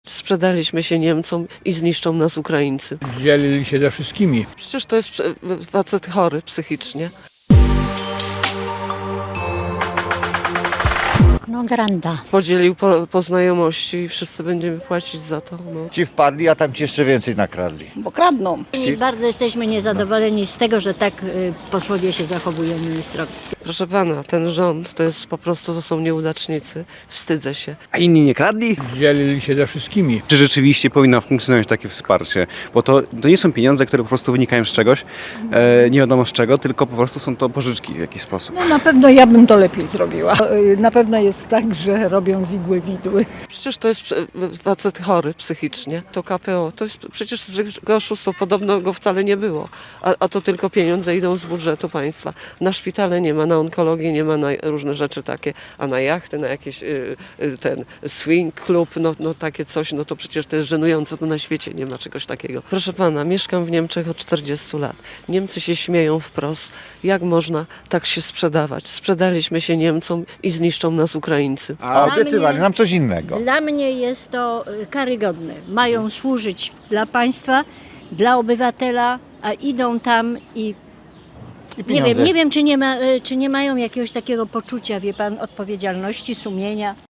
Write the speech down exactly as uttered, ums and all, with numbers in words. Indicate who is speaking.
Speaker 1: Sprzedaliśmy się Niemcom i zniszczą nas Ukraińcy.
Speaker 2: Dzielili się ze wszystkimi.
Speaker 1: Przecież to jest facet chory psychicznie.
Speaker 3: No granda.
Speaker 1: Podzielił po, po znajomości i wszyscy będziemy płacić za to. No.
Speaker 4: Ci wpadli, a tam ci jeszcze więcej nakradli.
Speaker 3: Bo kradną.
Speaker 5: I bardzo jesteśmy niezadowoleni z tego, że tak y, posłowie się zachowują ministrowie.
Speaker 1: Proszę pana, ten rząd to jest po prostu, to są nieudacznicy. Wstydzę się.
Speaker 6: A inni nie kradli?
Speaker 2: Dzielili się ze wszystkimi.
Speaker 6: Czy rzeczywiście powinno funkcjonować takie wsparcie? Bo to, to nie są pieniądze, które po prostu wynikają z czegoś, e, nie wiadomo z czego, tylko po prostu są to pożyczki w jakiś sposób.
Speaker 7: No na pewno ja bym to lepiej zrobiła. Na pewno jest tak, że robią z igły widły.
Speaker 1: Przecież to jest facet chory psychicznie. To K P O, to jest przecież zwykłe oszustwo, podobno go wcale nie było. A, a to tylko pieniądze idą z budżetu państwa. Na szpitale nie ma, na onkologię nie ma, na różne rzeczy takie, a na jachty, na jakieś y, y, ten swing club, no, no takie coś, no to przecież to jest żenujące, to na świecie nie ma czegoś takiego. Proszę pana, mieszkam w Niemczech od czterdziestu lat. Niemcy się śmieją wprost. Jak można tak się sprzedawać? Sprzedaliśmy się Niemcom i zniszczą nas Ukraińcy.
Speaker 4: A
Speaker 5: Dla
Speaker 4: obiecywali
Speaker 5: mnie-
Speaker 4: nam coś innego.
Speaker 5: Dla mnie jest to y, karygodne. Mają służyć dla państwa, dla obywatela, a idą tam i
Speaker 4: I
Speaker 5: nie
Speaker 4: pieniądze.
Speaker 5: wiem, nie wiem czy, nie ma, y, czy nie mają jakiegoś takiego poczucia, wie pan, odpowiedzialności, sumienia.